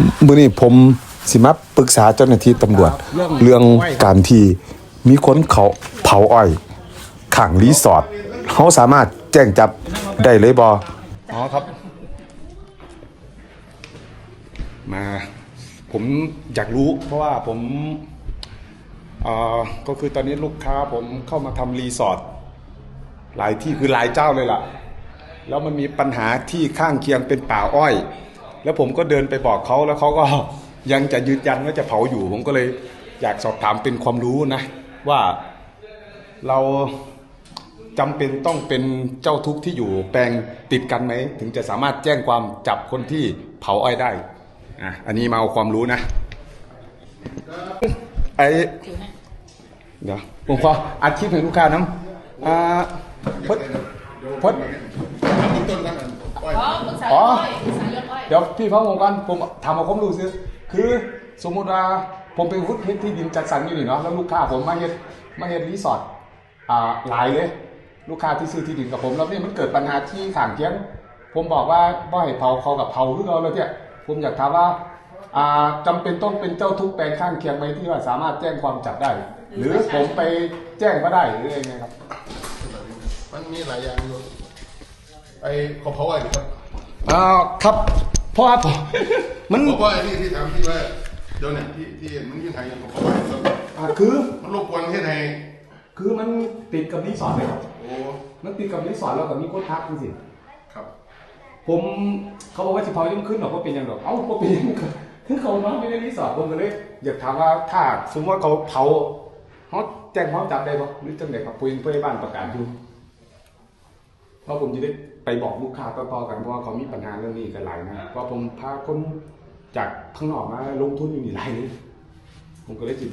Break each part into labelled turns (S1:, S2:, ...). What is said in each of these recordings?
S1: มื้อนี้ผมสิมาปรึกษาเจ้าหน้าที่ตำรวจเรื่องการที่มีคนเขาเผาอ้อยข้างรีสอร์ทเขาสามารถแจ้งจับได้เลยบ่อ๋อครับมาผมอยากรู้เพราะว่าผมก็คือตอนนี้ลูกค้าผมเข้ามาทำรีสอร์ทหลายที่คือหลายเจ้าเลยล่ะแล้วมันมีปัญหาที่ข้างเคียงเป็นป่าอ้อยแล้วผมก็เดินไปบอกเขาแล้วเขาก็ยังจะยืนยันว่าจะเผาอยู่ผมก็เลยอยากสอบถามเป็นความรู้นะว่าเราจำเป็นต้องเป็นเจ้าทุกข์ที่อยู่แปลงติดกันไหมถึงจะสามารถแจ้งความจับคนที่เผาอ้อยได้อันนี้มาเอาความรู้นะเดี๋ยวผมขออัดคลิปให้ลูกค้าน้ำพดอ๋อเดี๋ยวพี่ฟังผมกันผมทำเอาความรู้ซิคือสมมุติว่าผมเป็นหุ้นที่ดินจัดสรรอยู่นี่เนาะแล้วลูกค้าผมมาเฮ็ดรีสอร์ทหลายเลยลูกค้าที่ซื้อที่ดินกับผมแล้วนี่มันเกิดปัญหาที่ข้างเคียงผมบอกว่าบ่ให้เผาเขากับเผาหรือเราเลยเนี่ยผมอยากถามว่าจำเป็นต้องเป็นเจ้าทุกแปลงข้างเคียงไหมที่ว่าสามารถแจ้งความจับได้หรือผมไปแจ้งก็ได้หรือยังไงครับ
S2: มันมีหลายอย่างอยู่ไอ้เขาเผาอะไรครับ
S1: ครับเพราะว่ามัน
S2: เพราะว่าไอ้นี่ที่ถามที่ว่าเดี๋ยวเนี่ยที่มันยื่นไทยเขาเผาอะไรครับ
S1: คือ
S2: มันรบกวนที่ไทย
S1: คือมันติดกับรีสอร์ทเลยครับ
S2: โอ้
S1: มันติดกับรีสอร์ทแล้วกับมีคนพักจริง
S2: ครับ
S1: ผมเขาบอกว่าสิเผายิ่งขึ้นหรอกว่าเป็นยังหรอกก็เป็นยังคือเขานอนไม่ได้รีสอร์ทผมก็เลยอยากถามว่าถ้าสมมติว่าเขาเผาเขาแจ้งความจับได้ปะหรือจังไดครับเพื่อนบ้านประกาศอยู่เพราะผมจะได้ไปบอกลูกค้าต่อๆกันเพราะว่าเขามีปัญหาเรื่องนี้กันหลายนะเพราะผมพาคนจากข้างนอกมาลงทุนอยู่นี่หลายนี่ผมก็เลยจิต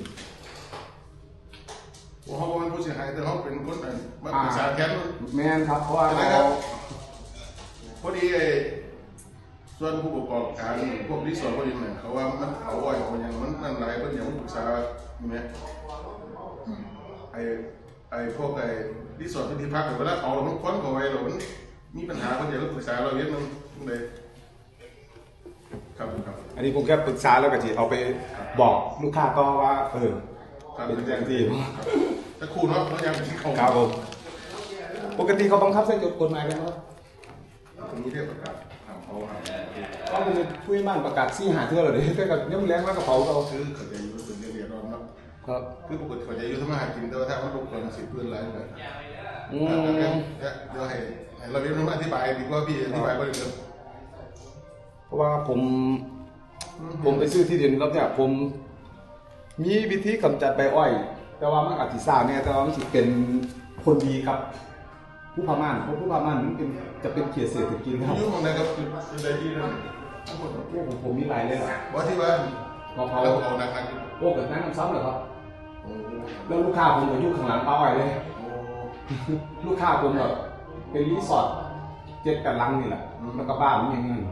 S2: ว่าเขาเป็นผู้เสียหายแต่เขาเป็นคนมาปรึกษาแคส
S1: แม่นครับเพราะว่า
S2: พอดีส่วนผู้ประกอบการพวกรีสอร์ทพวกนี้เนี่ยเขาว่ามันเผาอ้อยเขาอย่างมันนั่นหลายคนอย่างปรึกษาอยู่ไหมไอ้พวกรีสอร์ทที่พักเวลาเขามันค้นเขาไว้เรามันมีปัญหาคนเดียวก็ปรึกษาเราเยอะนึงเลยครับ
S1: อันนี้ผมแค่ปรึกษาแล้วก็ทีเอาไปบอกลูกค้าก็ว่าเป็นอย่างที่
S2: แต่ครูเนาะเขายังที่เขา
S1: ครับผมปกติเขาบังคับใช้กฎหมายกันไหม
S2: ผมมีเรื่องประกาศถามเขาครับ
S1: ก็เป็นผู้ใหญ่บ้านประกาศ4-5 เทื่อเลยแต่กับยังแรงมากกระเป๋าเรา
S2: คือเขาจะอยู่เป็นเรียนร้อนเนาะครับคือปกติเขาจะอยู่ทำมาหากินแต่ว่าถ้ามันลงคน10 เพื่อนไรเลยเดี๋ยวให้เราเรียนรู้อธิบายดีกว่าพี่อธิบายก็ได้
S1: เพราะว่าผมไปซื้อที่ดินแล้วเนี่ยผมมีวิธีกำจัดใบอ้อยแต่ว่ามันอาจจะซ่าเนี่ยแต่ว่ามันเป็นคนดีครับผู้พม่านเพราะผู้พม่านมันจะเป็นเขตเศรษฐกิจครับ
S2: ยุ่งอะไรกับอะไรที่นั่น
S1: ผมมีหลายเลยอ่ะ
S2: ว่าที่ว่า
S1: เขา
S2: นะครับ
S1: กับนั่งซ้ำเหรอครับแล้วลูกค้าผมก็อยู่ข้างหลังป้าอ้อยเลยลูกค้าผมแบบเป็นรีสอร์ท7-8 หลังนี่แหละแล้วก็บ้านมันอย่างนี้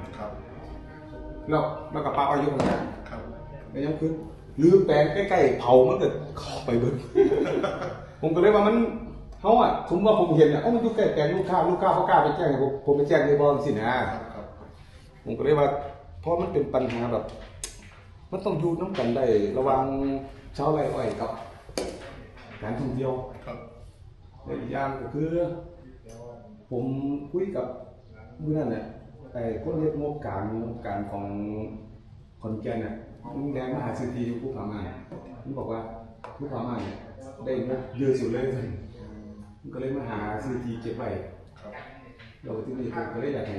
S1: แล้วก็ป้าอ้อยอยู่ข้างหลังแล้วยังคือลืมแปลงใกล้ๆเผามันเกิดไปเบิ้ลผมก็เลยว่ามันเขาสมมติว่าผมเห็นมันอยู่ใกล้แปลงลูกค้าเขากล้าไปแจ้งผมไปแจ้งในบอลสินะผมก็เลยว่าเพราะมันเป็นปัญหาแบบมันต้องอยู่น้ำกันได้ระวังชาวไร่อ้อยกับการท่องเที่ยวและอีกอย่างก็คือผมคุยกับเมื่อนั้นเนี่ยคนเรียกงบการของคนแก่เนี่ยมันแรงมหาเศรษฐีอยู่ผู้พม่ามันบอกว่าผู้พม่าเนี่ยได้งบเยอะสุดเลยมันก็เลยมาหาเศรษฐีเก็บไว้เราที่นี่ผมก็เลยอยากให้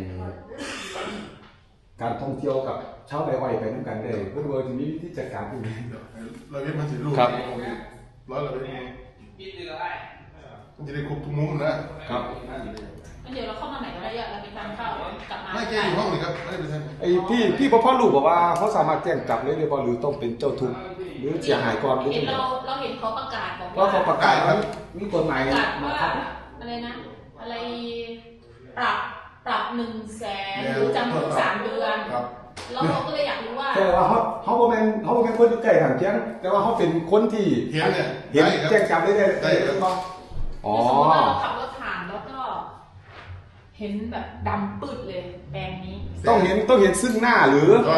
S1: การท่องเที่ยวกับชาวไร่อ้อยไปด้วยกันได้เพื่อจะมีวิธีจัดการที่ดี
S2: เราเรียกมันสิลูกร้อยเราเรียกมันจะได้ครบทุกมุมนะครับ
S3: เดี๋ยวเราเข้ามาไหนก็ได้เราไปทานข้าวกลับมา
S2: ไม่แก้อยู่ห้องเลยครับไม่ได้ไปทำ
S1: ไอ้พี่พ่อลูกบอกว่าเขาสามารถแจ้งจับเลยหรือเปล่าหรือต้องเป็นเจ้าทุกข์หรือเสียหายก่อน
S3: เราเห็นเขาประกาศบอก
S1: ว่าเขาประกาศว่ามีกฎหมาย
S3: ว่าอะไรนะอะไรปรับ100,000หรือจำคุก3 เดือนแล้วเราก็เลยอยากรู้ว่า
S1: แต่ว่าเขาเป็นคนที่ใกล้ทางเคียงแต่ว่าเขาเป็นคนที่
S2: เห็น
S1: แจ้งจับได้
S3: อ๋อสมมติว่าเราขับรถผ่านแล้วก็เห็นแบบดำปืดเลยแปลงนี้
S1: ต้องเห็นซึ่งหน้าหรือ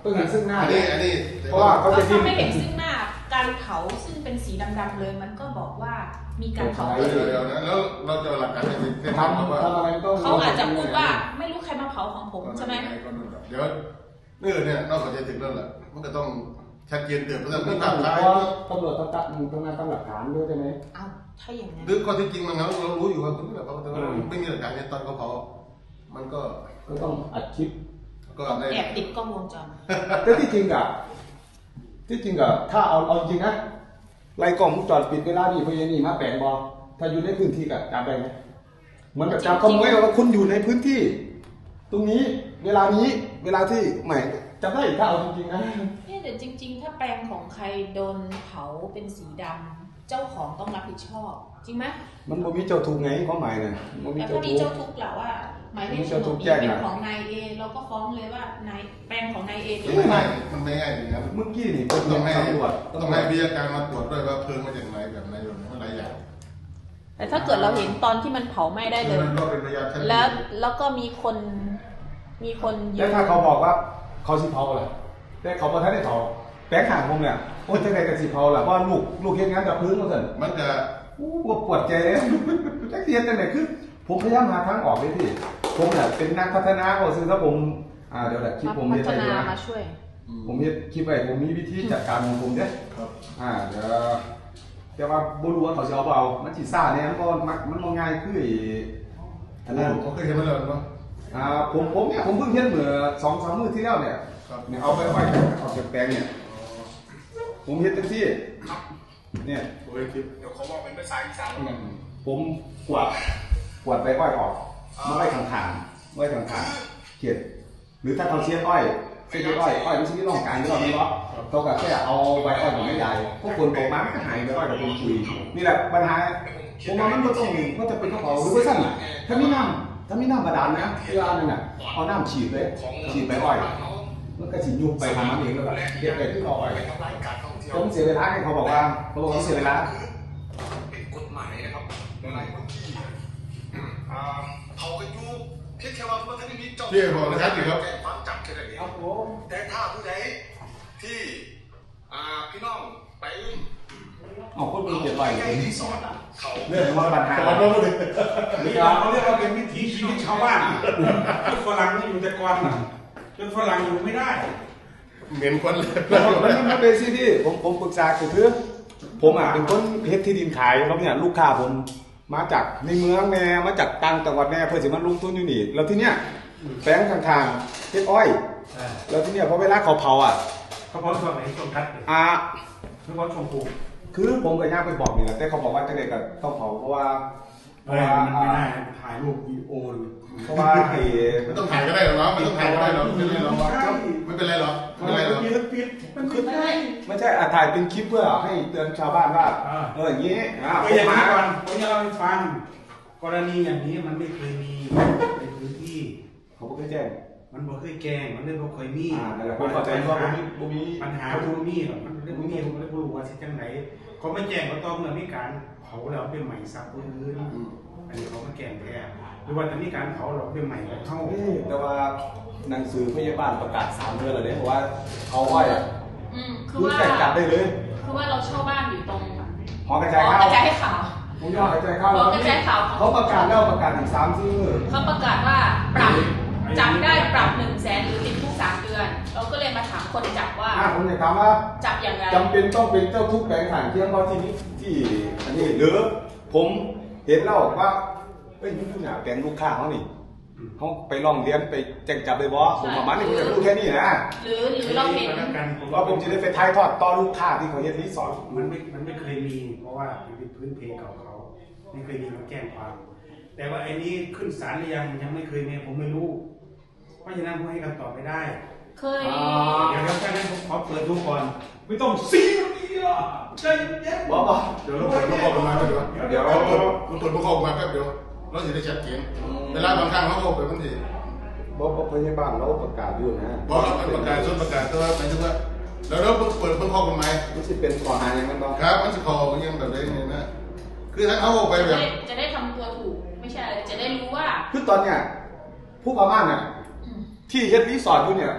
S1: ต้องเห็นซึ่งหน้า
S2: อันนี้
S1: เพราะว่าเขา
S3: ก็
S1: จะดิ้
S3: ถ้าน ไม่เห็นซึ่งหน้าการเผาซึ่งเป็นสีดำๆเลยมันก็บอกว่ามีการเผา
S2: เดี๋ยวนะแล้วเราจะหลักการในทางว่า
S1: ทำอะไรต้อง
S3: เขาอาจจะพูดว่าไม่รู้ใครมาเผาของผมใช่ไหม
S2: เดี๋ยวเนี่ยนอกจากจะถึงแล้วแหละมันก็ต้องชัดเจนเตือนเพราะฉะนั้น
S1: เพ
S2: มีภาพถ่าย
S1: ราะตำรวจต้องงานตั้งหลักฐานด้วยใช่ไหม
S3: เอาถ้าอย่างนั้น
S2: หรือข้อที่จริงมันเรารู้อยู่ว่าคุณแบบเขาไม่มีหลักฐานในตอนเขาเผามันก็
S1: ต้องอัดคลิป
S2: ก็ได้
S3: แอบติดกล้องวงจร
S1: แต่ที่จริงอะถ้าเอาจริงนะไล่กล้องวงจรปิดเวลานี่พยานี่มาแปลงบอถ้าอยู่ในพื้นที่กับจับได้ไหมเหมือนกับจับขโมยว่าคุณอยู่ในพื้นที่ ตรงนี้เวลาที่ใหม่จำได้ถ้าเอาจริงๆนะ
S3: เนี่ยแต่จริง ๆ ถ้าแปลงของใครโดนเผาเป็นสีดำเจ้าของต้องรับผิดชอบ จริงไหม
S1: มันบ่มีเจ้าทุกข์ไงความหมายน่ะบ่มี
S3: แต่
S1: เจ้า
S3: ถ้ามี
S1: ทุก
S3: เจ้า
S1: ข์
S3: ทุกข์แหละว่า หมายเลข
S1: มี
S3: โฉ
S1: เจ้าน ทุก
S3: ด
S1: ข์
S3: นี้
S1: แจ้ง
S3: เป็น
S1: อะ
S3: ของนายเอเราก็ฟ้องเลยว่านายแปลงของนายเอ
S2: ไม่ง่ายมันไม่ง่ายอย่างนั้น
S1: เมื่อกี้นี่
S2: ต้องให้
S1: ตำรวจ
S2: ต้องให้วิทยาการมาตรวจด้วยว่าเพลิงมาจากไหนแบบไหนแบบหลายอย่าง
S3: แต่ถ้าเกิดเราเห็นตอนที่มันเผาไหม้ได้เลย
S2: มันก็เป็นพยานชั้น
S3: แล้วก็มีคนยื
S1: แล้ว
S3: น
S1: ถ้าเขาบอกว่าเขาสิเผาล่ะแต่เขาบ่ทันได้เผาแปลงห่างผมเนี่ยโอ้ยจังได๋ก็สิเผาล่ะเพราะลูกเฮ็ดงานดับเพลิงว่าซั่น
S2: มันจะ
S1: ว่าปวดใจเลยจักเทียนจังไหนคือผมพยายามหาทางออกเลยพี่ผมเนี่ยเป็นนักพัฒนาก็ซื้อถ้าผมเดี๋ยวแหละคลิปผม
S3: พั
S1: เฮ็ด
S3: ฒ
S1: ได้
S3: นา
S1: ด้วย
S3: มาช่วย
S1: ผมเฮ็ดคลิปไว้ผมมีวิธีจัดการของผมเด้
S2: ครับ
S1: เดี๋ยวแต่ว่าบ่รู้ว่าเขาสิเอาบ่เอามันสิซ่าเนี่ยมันบ่ง่ายคืออันนั้น
S2: ผมเคยเห็นมาแล้วเนาะ
S1: ผมเนี่ยผมเพิ่งเฮ็ดเมื่อ 2-3 มื้อที่แล้วเนี่ย
S2: ครับ
S1: เนี่ยเอาไปไว้ออกจากแปลงเนี่ยผมเฮ็ดจังซี่เนี่ย
S2: โอ้ยคลิป
S4: เดี๋ยวเขาบอกเป็นภาษาอีสานเหมือนกัน
S1: ผมกวาดใบอ้อยออกมาไว้ข้างๆเขียดหรือถ้าเขาเชียดอ้อยเชียดอ้อยมันชิ้นที่ร่องกลางที่เราไม่รู้เขาก็แค่เอาใบอ้อยของไม่ใหญ่พวกคนตกมาก็หายใบอ้อยกับคนคุยนี่แหละปัญหาผมว่ามันก็ต้องมันจะเป็นกระเป๋าหรือว่าสั้นถ้ามีน้ำบาดาลนะเวลานึงเอาน้ำฉีดใบอ้อยมันก็ฉีดยุบไปทำมันเองแล้วแบบเก็บไปที่อ้อย
S4: ทำลายการท่องเที่ยว
S1: ผมเสียเวลาให้เขาบอกว่าเสียเวลา
S4: เป็นกฎหมายนะครับหลายพื้นที่เผากันอยู่เพียงแค่ว่าเมื่อกี้มีเจ้าแจ้งความจับแค่นั้นเองแต่ถ้าผู้ใดที่พี่น้องไป
S1: เอาคนมีเก็บไว้
S4: ใกล้ที่สอนเขา
S1: เรื่องว่าปัญหา
S2: แต่ว่าไม่ได้
S5: นี่เขาเรียกว่าเป็นวิถีชีวิตชาวบ้านจนฝรั่งนี่อยู่แต่ก่อนน่ะจนฝรั่งอยู่ไม่ได้
S2: เหม็นคนเลย
S1: มันเป็นสิที่ผมปรึกษาคือผมเป็นคนเพชรที่ดินขายแล้วเนี่ยลูกค้าผมมาจากในเมืองแน่มาจากต่างจังหวัดแน่เพื่อจะมาลงทุนอยู่นี่แล้วที่เนี้ยแปลงข้างๆเพชรอ้อยแล้วที่เนี้ยพอเวลาเขาเผา
S5: เขาพร้อมช่วงไหนช่วงทัดเลยเขาพร้อมช่วงปลูก
S1: คือผมกับย่าไปบอกนี่แหละแต่เขาบอกว่าจะเด็กก็ต้องเผาเพราะว่า
S5: มันไม่ได้ถ่ายรูปวิดีโอเลย
S1: เพราะว่าไอ้
S2: มันต้องถ่ายก็ได้หรอเนาะมันต้องถ่ายก็ได้หรอไม่เป็นไรหรอกไม่เป็นไรหรอกไม่เป็นไรหรอก
S5: ปิดมันปิดได้
S1: ไม่ใช่ถ่ายเป็นคลิปเพื่อให้เตือนชาวบ้านว่าอย่างนี้
S5: ก็อย่างนี้ก่อนผมจะเล่าให้ฟังกรณีอย่างนี้มันไม่เคยมีในพื้นที่
S1: เขาไม่เคยแจ้ง
S5: มันบ่เคยแกงมันเรื่องบ่เคยมี
S1: นั่นแหละผมเข้าใจว่าผมมี
S5: ปัญหาบ่มีหรอกมันเรื่องบ่มีผมไม่รู้ว่าสิจังไหนเขาไม่แจ้งก็ต้องเมื่อมีการเผาแล้วเป็นใหม่ซับพื้นอันนี้เขามาแกงแท้หรือว่าจะมีการเผาหรอกเป็นใหม่ของเขา
S1: แต่ว่าหนังสือพยาบาลประกาศ3 เดือนแล้วเนี่ยเพราะว่าเขาอ้อย
S3: คือ
S1: คุณ
S3: ว่า
S1: แต่งจับได้เลย
S3: คือว่าเราเช่าบ้านอยู่ตรง
S1: หอกระจาย
S3: หอก
S1: ข้าว
S3: ระจายให้ข่าว
S1: ผมยอดกระจายข้าว
S3: หอกระจายข่าว
S1: เขาประกาศแล้วประกาศอีก3 ชื่อ
S3: เขาประกาศว่าปรับจับได้ปรับ100,000หรือติดคุก3 เดือน เราก็เลยมาถามคนจับว่า
S1: ผมอยากถามว่า
S3: จับอย่างไร
S1: จำเป็นต้องเป็นเจ้าทุกข์แปลงฐานเที่ยงเพราะที่นี้ที่อันนี้หรือผมเห็นแล้วว่ายุ่งๆแปลงลูกค้าเขานี่เขาไปลองเรียนไปแจ้งจับเลยบอผมประมาณนี้ผมจะพูดแค่นี้นะ
S3: หรือเราเห็น
S1: ว่าผมจะได้ไปถ่ายทอดต่อลูกค้าที่เขาเฮ็ดรีสอร์ท
S5: มันไม่เคยมีเพราะว่าเป็นพื้นเพเก่าเขาไม่เคยมีมาแจ้งความ แต่ว่าไอ้นี้ขึ้นศาลหรือยังไม่เคยมีผมไม่รู้ เพราะฉะนั้นผมให้คำตอบไม่ได้
S3: เคย
S5: เดี๋ยวแค่นั้นผมขอเปิดดูก่อนไม่ต้องซีเรียสใจเย็น
S1: บอก
S2: เดี๋ยวเราตรวจพวกเขามาเดี๋ยวเราตรวจพวกเขามาแป๊บเดียวเราจะได้ชัดเจนเวลาบางครั้งเขาโทรไปบางที
S1: บอกพยาบาลเราประกาศอยู่นะ
S2: บอกเราประกาศส่วนประกาศตัวหมายถึงว่าเราเปิดเพิ่งข้อกฎหมาย
S1: มันจะเป็นข้อหาอย่างนั้นบ้าง
S2: ครับมันจะคอยังแบบนี้เนี่ยนะคือถ้าเขาออกไปแบบ
S3: จะได้ทำตัวถูกไม่ใช่อะไรจะได้รู้ว่า
S1: คือตอนเนี้ยผู้ประมาณเนี่ยที่เฮ็ดรีสอร์ทอยู่เนี่ย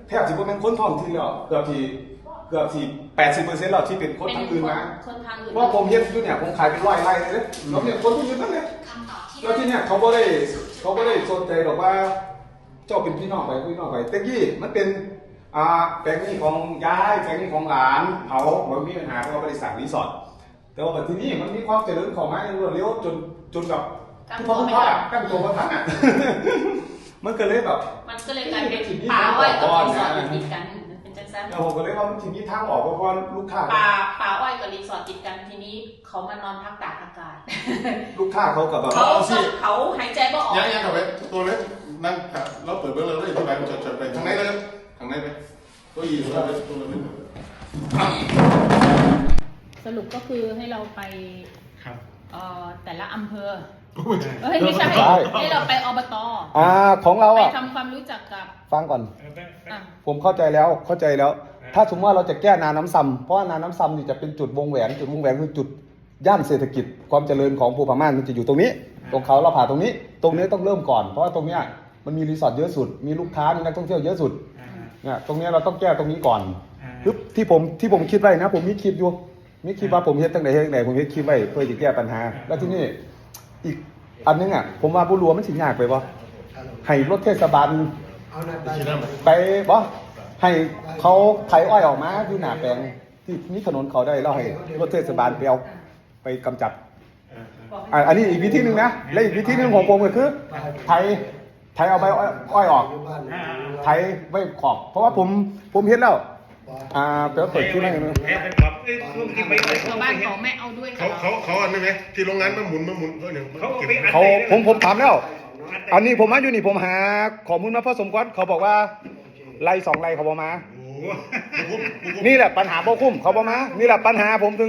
S1: แทบจะเป็นคนท้องถิ่นแล้วเกือบที่80%แล้วที่เป็นคนทางอื่นมา
S3: คนทางอื่น
S1: เพราะผมเฮ็ดอยู่เนี่ยผมขายเป็น100 ไร่เลยแล้วเนี่ยคนที่อยู่นั่นเนี่ยแล้วที่เนี่ยเขาบ่ได้สนใจหรอกว่าเจ้าเป็นพี่น้องไปแต่กี้มันเป็นแปลงนี้ของยายแปลงนี้ของหลานเขาบ่มีปัญหาเพราะว่าบริษัทรีสอร์ทแต่ว่าที่นี่มันมีความเจริญของมันอย่างรวดเร็วจนกับทุกภาคกั้นตัวทันอ่ะ มันก็เลยแบบ
S3: มันก็เลยกลายเป็นป่าอ้อยกับรีสอร์ทติดกันเป็นจังซั่น
S1: ผมก็เลยว่ามันทีนี้ทางออกเพราะว่าลูกค้า
S3: ป่าอ้อยกับรีสอร์ทติดกันทีนี้เขามานอนพักตากอากาศ
S1: ลูกค้าเขากับแบบ
S3: เขาหายใจบ่ออก
S2: ยังเข้าไปตัวเล็กนั่งเราเปิดเบื้องเลยที่ไหนมันจะไปทางไหนเลยทางไหนไปตัวยีตัวเล็กตัวเล็ก
S3: สรุปก็คือให้เราไป
S5: ครับ
S3: แต่ละอำเภอไม่ใช่ให้เราไปอบต.
S1: ของเรา
S3: ไป
S1: อ่ะ
S3: ทำความรู้จักกับ
S1: ฟังก่อน
S3: อ่ะ
S1: ผมเข้าใจแล้ว ถ้าสมมติว่าเราจะแก้นาน้ำซ้ำเพราะว่านาน้ำซ้ำนี่จะเป็นจุดวงแหวนคือจุดย่านเศรษฐกิจความเจริญของภูพม่านมันจะอยู่ตรงนี้ ตรงเขาเราผ่าตรงนี้ต้องเริ่มก่อนเพราะว่าตรงเนี้ยมันมีรีสอร์ทเยอะสุดมีลูกค้ามีนักท่องเที่ยวเยอะสุดเนี่ยตรงเนี้ยเราต้องแก้ตรงนี้ก่อนปึ๊บที่ผมคิดไว้นะผมมีคลิปอยู่มีคลิปว่าผมเฮ็ดตั้งไหนผมเฮ็ดคลิปไว้เพื่อจะแก้ปัญหาแล้วที่นี่อีกอันนึงอ่ะผมว่าผู้รัวมันสิยากไปบ่ให้รถเทศบาลไปบ่ให้เขาไถอ้อยออกมาอยู่หน้าแปลงที่มีถนนเขาได้แล้วให้รถเทศบาลไปเอาไปกำจัดอันนี้อีกวิธีนึงนะและอีกวิธีนึงของผมก็คือไถเอาใบอ้อยออกไถไว้ขอบเพราะว่าผมเห็นแล้วเปิดที่นั่นนะ
S3: ชาวบ้านเขาไม่เอาด้วยกับเรา
S2: เขาอันนี้ไหมที่โรงงานมันหมุนก็เนี่ย
S1: ผมถามแล้ว อันนี้ผมมาอยู่นี่ผมหาข้อมูลมาพอสมควรเขาบอกว่าไร่2 ไร่เขาบอกมานี่แหละปัญหาบ่คุ้มเขาบอกมานี่แหละปัญหาผมถึง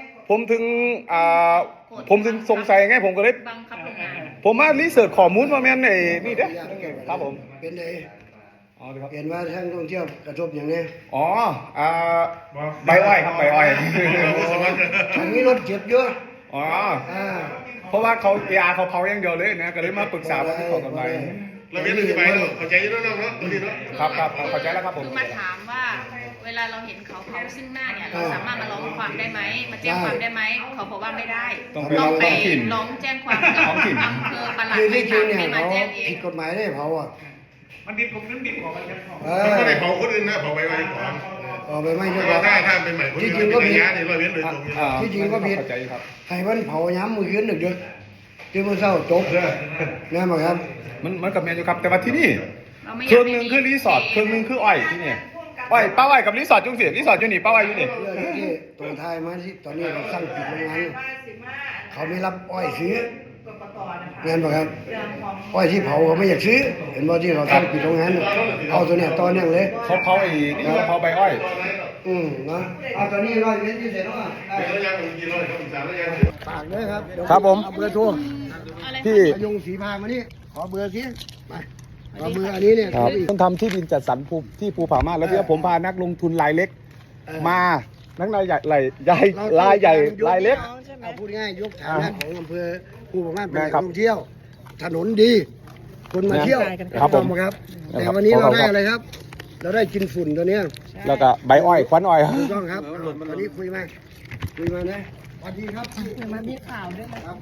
S1: สงสัยไงผมก็เลย
S3: บังคับโรงงาน
S1: ผมมารีเสิร์ชข้อมูลมาแม่นไอ้นี่เด้อครับผม
S6: เป็นไง
S1: อ๋อครับ
S6: เห็นว่าทางท่องเที่ยวกระทบอย่างนี้
S1: อ๋อใบอ้อยครับใบอ้อย
S6: ทางนี้รถเจ็บเยอะ
S1: อ๋อ
S6: อ่า
S1: เพราะว่าเขาเขาเผาอย่างเดียวเลยนะก็เลยมาปรึกษาว่าที่ขอกำไร
S2: เราเรียนอธิบายเข้าใจอยู่แล้วเนาะตัวนี้เนาะ
S1: ครับเข้าใจแล้วครับผม
S3: คือมาถามว่าเวลาเราเห็นเขาเผาซึ่งหน้าเนี่ยเราสามารถมาร้องความได้ไหมมาแจ้งความได้ไหมเขาบอกว่าไม่ได้
S1: ต้องไป
S3: ต้องไป
S1: ท้องถิ่น
S3: ร้องแจ้งความกับอำเภอปลัด
S6: คือที่จริงเนี่ย
S3: ให้มา
S6: เขา
S3: แจ้งเอง
S6: ผิดกฎหมายได้เผาอ่ะ
S5: มันดิบผมนึกดิบกว่ามันจะพอ
S2: มันไม่ได้เผาคนอื่นนะเผาไปไว้ก่อน
S6: ออกไปไม่ใช่ครับ
S2: ถ้าเป็นใหม่คนอื่นเป็นระยะนี่เราเรียนโดยตรง
S6: ที่จริงก็ผิด
S1: เข้าใจครับ
S6: ให้มันเผาย้ำมือคืนดึกๆที่มันเศร้าจบแน่ไหมครับ
S1: มันกับแมนอยู่ครับแต่ว่าที่นี่
S3: เราไม่
S1: เค
S3: อยา
S1: รื่
S3: ก
S1: องห
S3: ให้
S1: นึ่งคือรีสอร์ทเครื่องหนึ่งคืออ้อยที่นี่อ้อยป้าอ้อยกับรีสอร์ทจุงเสียรีสอร์ทอยู่นี่ป้าอ้อยอยู่นี่
S6: เรื่องที่ตรงไทายมาที่ตอนนี้เราสร้างปิดโรงงานเขาไม่รับอ้อยซื้อเงินป่ะครับอ้อยที่เผาเขาไม่อยากซื้อ เห็นบ่ที่เขาสร้างปิดโรงงานเอาตัวเนี้ยตอนเนี้ยเลย
S1: เขาเผาไอ้นี่เขาเผาใบอ้อย
S6: นะเอาตอนนี้ร้อยเมตรที่เสร็จแล้วอ่ะ
S2: แล้วยังกินร้อยก็สามแล้วยัง
S6: ฝากด้วยครับ
S1: ครับผม
S6: เอาเบอร์โทร
S3: อะไร
S1: ที่
S6: พยุงสีพามานี่ขอเบอร์สิไปขอเบอร์อันนี้เนี่ย
S1: ครับต้องทำที่ดินจัดสรรที่ภูผาม่านแล้วที่ผมพานักลงทุนรายเล็ก มานักรายใหญ่รายใหญ่รายเล็ก
S6: เอาพูดง่ายยกฐานะของอำเภอภูผาม่านเป็นแหล่ง
S1: ครับ
S6: ท่องเที่ยว ถนนดี คนมาเที่ยว
S1: ครับผม
S6: ครับ แต่วันนี้เราได้อะไรครับ เราได้กินฝุ่นตัวเนี้ย
S1: แล้วก็ใบอ้อยควันอ้อย
S6: ถูกต้องครับวันนี้คุยมานะสวัสดีครับ
S3: มามีข่าวด้วย
S6: ครับ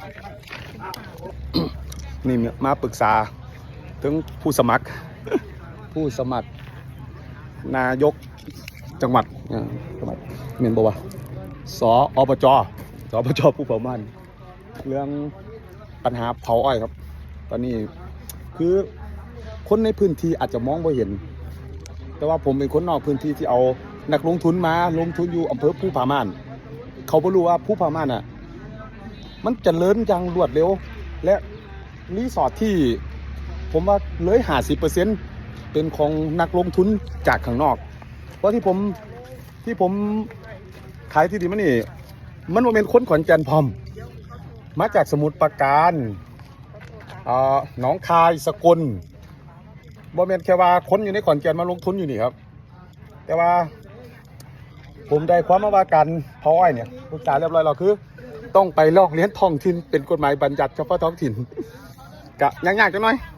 S1: นี่มาปรึกษาถึงผู้สมัคร นายกจังหวัดเมียนบัวสอบจผู้เผามันเรื่องปัญหาเผาอ้อยครับ ตอนนี้คือคนในพื้นที่อาจจะมองไม่เห็น แต่ว่าผมเป็นคนนอกพื้นที่ที่เอานักลงทุนมาลงทุนอยู่อำเภอภูผาม่านเขาไม่รู้ว่าภูผาม่านอ่ะมันเจริญอย่างรวดเร็วและรีสอร์ทที่ผมว่าเลย50%เป็นของนักลงทุนจากข้างนอกเพราะที่ผมขายที่ดินมันนี่มันว่าเป็นคนขอนแก่นพร้อมมาจากสมุทรปราการหนองคายสกลบ่แม่นแค่ว่าคนอยู่ในขอนแก่นมาลงทุนอยู่นี่ครับแต่ว่าผมได้ความมาว่าการเผาอ้อยเนี่ยปรึกษาเรียบร้อยแล้วคือต้องไปลอกเรียนท้องถิ่นเป็นกฎหมายบัญญัติเฉพาะท้องถิ่นกะยากๆจังหน่อย